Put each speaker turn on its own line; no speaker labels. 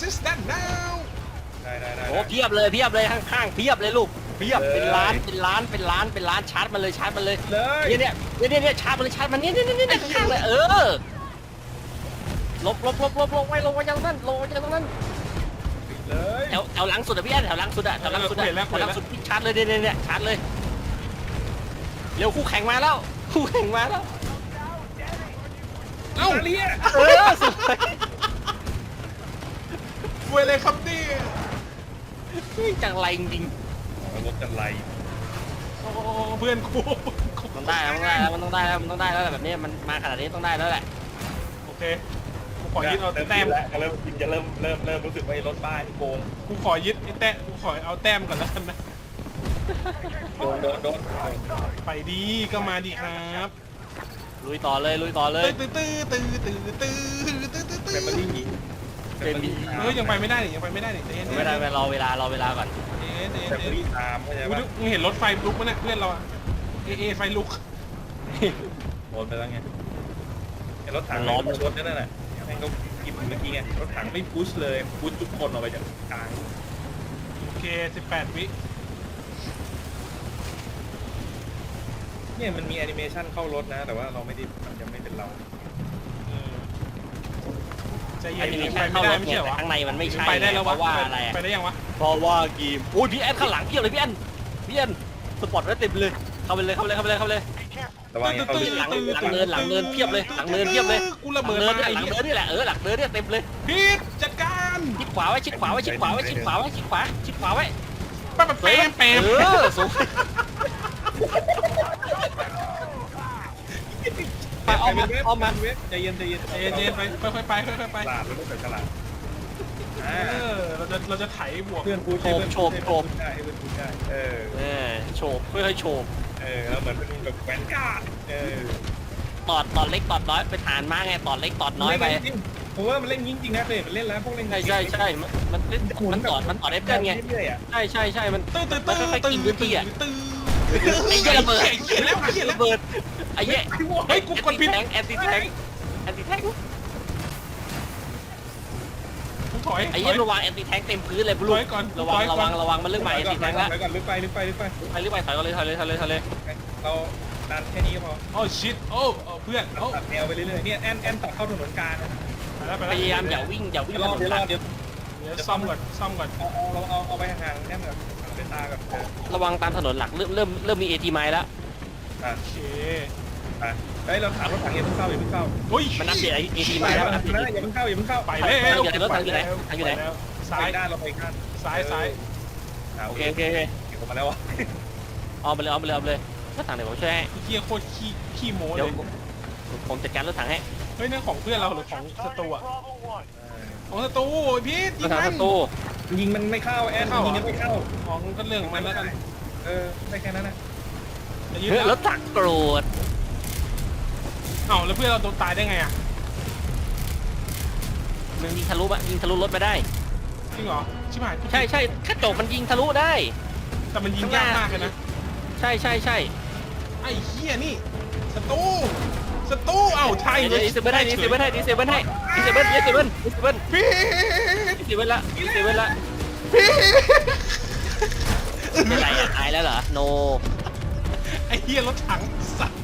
stand now
ได้
โอ้เพียบเลยข้างๆเพียบเลยลูกเพียบเป็นล้านชาร์จมันเลยชาร์จมันเลย
เลย
เนี่ยชาร์จมันเลยชาร์จมันเนี่ยข้างๆเลยลบไว้ลงไว้อย่างนั้น
เลย
แถวหลังสุดอะพี่แอนแถวหลังสุดพี่ชาร์จเลยเนี่ยชาร์จเลยเร็วคู่แข่งมาแล้ว
เอ้า
เลีย
สวย
เวยเลยครับนี่
จังไรจริง
รถกันไร
โอ้เพื่อนกู
มันได้แล้วมันต้องได้แล้วแบบนี้มันมาขนาดนี้ต้องได้แล้วแหละ
โอเคกูขอยึดเอาแต้ม
แล้วเริ่มรู้สึกว่ารถบ้าที่โกง
กูขอยึดไอ้แต้มกูขอเอาแต้มก่อนแล้วกันนะ
โดน
ไปดีก็มาดีครับ
ลุยต่อเลย
ตื้อ
แฟมิลี่
เฮ้ยยังไปไม่ได้นี่
ไม่ได้รอเวลาก่อน
แฟมิลี่ตามเข้าใจป่ะ
มึงเห็นรถไฟลุกมั้ยเนี่ยเพื่อนเราอะไฟลุก
โดนไปแล้วไงรถถังล้อมรถนั่นแหละแม่งก็กินเมื่อกี้ไงรถถังไม่พุชเลยพุชทุกคนออกไปจากกลาง
โอเค18 วิ
เนี่ยมันมีแอนิเมชันเข้ารถนะ แต่ว่าเราไม่ได้มันยังไม่เป็นเรา
ใจเย็
อัน
น
นี้
ไป
ไม่
ไม่
ใช่
ได้
เข้ารถ
ไม่
เนี่
ใช่
ย
เหรอ
ข้างในมันไม่ใช่
ไปได้แล้ว
เพ
วะ
ราะว่าอะไร
ไปได้ยังวะ
เพราะว่าเกมโอ้ยพี่แอนข้างหลังเพียบเลยพี่แอนสปอร์ตไว้เต็มเลยเข้าไปเลย
ระวังอย่าเข้า
หลังเนินเพียบเลยหลังเนิน
กูระเบิดมา
หลังเนินนี่แหละหลังเนินเนี่ยเต็มเลย
พีทจัดการ
ชิดขวาไว้ชิดขวาไว้
แปม
สูงไปเอามา
ใจเย็น
ใจเย็นไปค่อยๆไป
ฉลาดเราต้องใส่ฉลาด
เราจะไถบวก
เพื่อนพูดได้เพื่อนพูดได้
โฉบค่อยๆโฉบ
แล้วเหมือนเป็นแบบแหวนกาด
ตอดเล็กตอดน้อยไปฐานมาไงตอดเล็กตอดน้อยไป
ผมว่ามันเล่นจริงๆนะเคยมันเล่นแล้วพวกเล่น
ใช่มันเล่นมันตอดได้เพื่อนไงใช่มันค่อยๆกินพื้นที่อ่ะไอ้เหี้ยระเบิดไอ้เหี้ย
เฮ้ยกูกดผิด
แอนตี้แทง
ถอย
ไอ้เหี้ยระวังแอนตี้แทงเต็มพื้นเลยบลูระวังมันเรื่องใหม่แอนตี้แทงละ
ก่อนลึกไป
ไปถอยเลย
เราดันแค่นี้ก็พอ
โอ้ชิตโอ้เพื่อนโอ้
ตัดแนวไปเรื่อยๆเนี่ยแอนตัดเข้าถนนกลาง
พยายามอย่าวิ่ง
เดี๋ยว
ซ่อมก่อน
เอาไปห่างๆแน่นแบบเป็นตากับ
ระวังตามถนนหลักเริ่มมีเอทีไม้แล้ว
โอเค
เฮ้ยเราถามรถถังอย่าเพิ่งเข้า
เฮ้ย
มันอัปเดตเอทีไม้แล้ว
อย่าเพิ่งเข้า
ไปแล้ว
รถถังอยู่ไหน
ซ้าย
ด้านเราไปด้าน
ซ้าย
โอเค
เก็บมาแล้ววะ
เอาไปเลยรถถังเดี๋ยวผมช่วยให้
เฮียโคตรขี้โม้เล
เดี๋ยวย ผมจัดการรถถังให้
เฮ้ยนั่นของเพื่อนเราหรือของศัตรูอะของศัตรูพีท
รถถังศัตรู
ยิงมันไม่เข้าแอนยิงมันไม่เข้า
ของก็เรื่องของมันแล้วกัน
ได้แค่นั้นนะ
รถถังโกรธ
เอ้าแล้วเพื่อนเราโดนตายได้ไงอะ
มันยิงทะลุรถมาได้
จริงเหรอชิบหาย
ใช่กระจกมันยิงทะลุได้
แต่มันยิงยากมากเลยนะ
ใช่
ไอ้เหี้ยนี่ศัตรูเอ้าใช่
ดีเซเบิลพีท
ละ
เป็นไรตายแล้วเหรอโน
ไอ้เหี้ยรถถังสัตว์